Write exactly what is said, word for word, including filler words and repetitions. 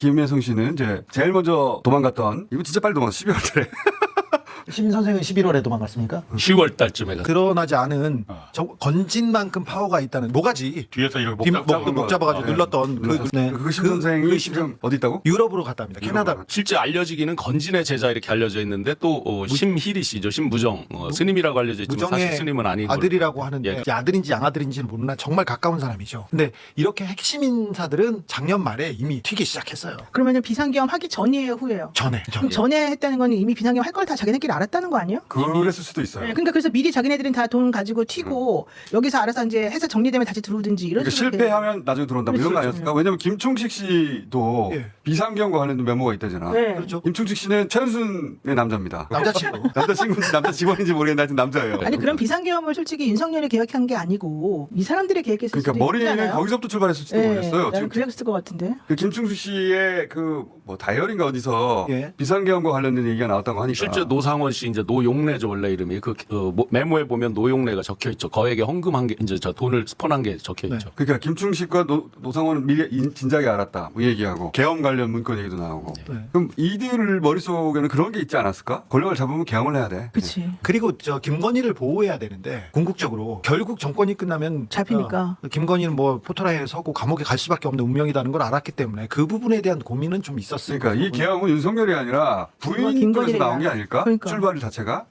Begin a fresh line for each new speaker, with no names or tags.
김혜성 씨는 이제 제일 먼저 도망갔던, 이거 진짜 빨리 도망갔어. 십이월 달에.
시민 선생은 십일월에 도망갔습니까?
시월 달쯤에 갔
드러나지 않은
어.
저 건진 만큼 파워가 있다는 모가지
뒤에서 이렇게
뒷-
목 잡고
목, 목 잡아가지고
네.
눌렀던 그, 네.
그 심 선생이
그
지금 어디 있다고?
유럽으로 갔답니다. 캐나다.
실제 알려지기는 건진의 제자 이렇게 알려져 있는데 또 어, 심희리 씨죠. 심무정 어, 스님이라고 알려져 있지만 사실
무정의
스님은 아닌 걸로.
아들이라고 하는데
예.
이제 아들인지 양아들인지는 모르나 정말 가까운 사람이죠. 근데 이렇게 핵심 인사들은 작년 말에 이미 튀기 시작했어요.
그러면 비상계엄 하기 전이에요, 후예요?
전에.
그럼 전에 했다는 건 이미 비상계엄 할 걸 다 자기네끼리 알았다는 거 아니에요?
그랬을 수도 있어요.
네, 그러니까 그래서 미리 자기네들은 다 돈 가지고 튀고 여기서 알아서 이제 해서 정리되면 다시 들어오든지 이런
그러니까
식으로
실패하면 나중에 들어온다 뭐 이런 거
그렇죠.
아니었을까? 왜냐면 김충식 씨도
예.
비상경과 관련된 메모가 있다잖아.
네.
그렇죠.
김충식 씨는 최은순의 남자입니다.
남자친구.
남자친구, 남자 직원인지 모르겠는데 하여튼 남자예요.
아니 그럼 비상계엄을 솔직히 윤석열이 계획한 게 아니고 이 사람들이 계획했을
그러니까
수도
머리는
있잖아요.
거기서부터 출발했을지도
네,
모르겠어요.
나는
지금
그랬을 것 같은데.
그 김충수 씨의 그 뭐 다이어리인가 어디서
예.
비상계엄과 관련된 얘기가 나왔다고 하니까
실제 노상원 씨 이제 노용래죠 원래 이름이 그 어, 뭐, 메모에 보면 노용래가 적혀 있죠. 거액에 헌금한 게 이제 저 돈을 스폰한 게 적혀
네.
있죠.
그러니까 김충식과 노, 노상원은 미리 인- 진작에 알았다 뭐 얘기하고 계엄 관련 문건 얘기도 나오고
네.
그럼 이들 머릿속에는 그런 게 있지 않았을까? 권력을 잡으면 계엄을 해야 돼.
그치.
그리고 저 김건희를 보호해야 되는데 궁극적으로 결국 정권이 끝나면
잡히니까.
어, 김건희는 뭐 포토라인에 서고 감옥에 갈 수밖에 없는 운명이라는 걸 알았기 때문에 그 부분에 대한 고민은 좀 있었어요.
그러니까 이 계엄은 윤석열이 아니라 부인 쪽에서
김건희를
나온 게
위한.
아닐까?
그러니까.
출발 자체가.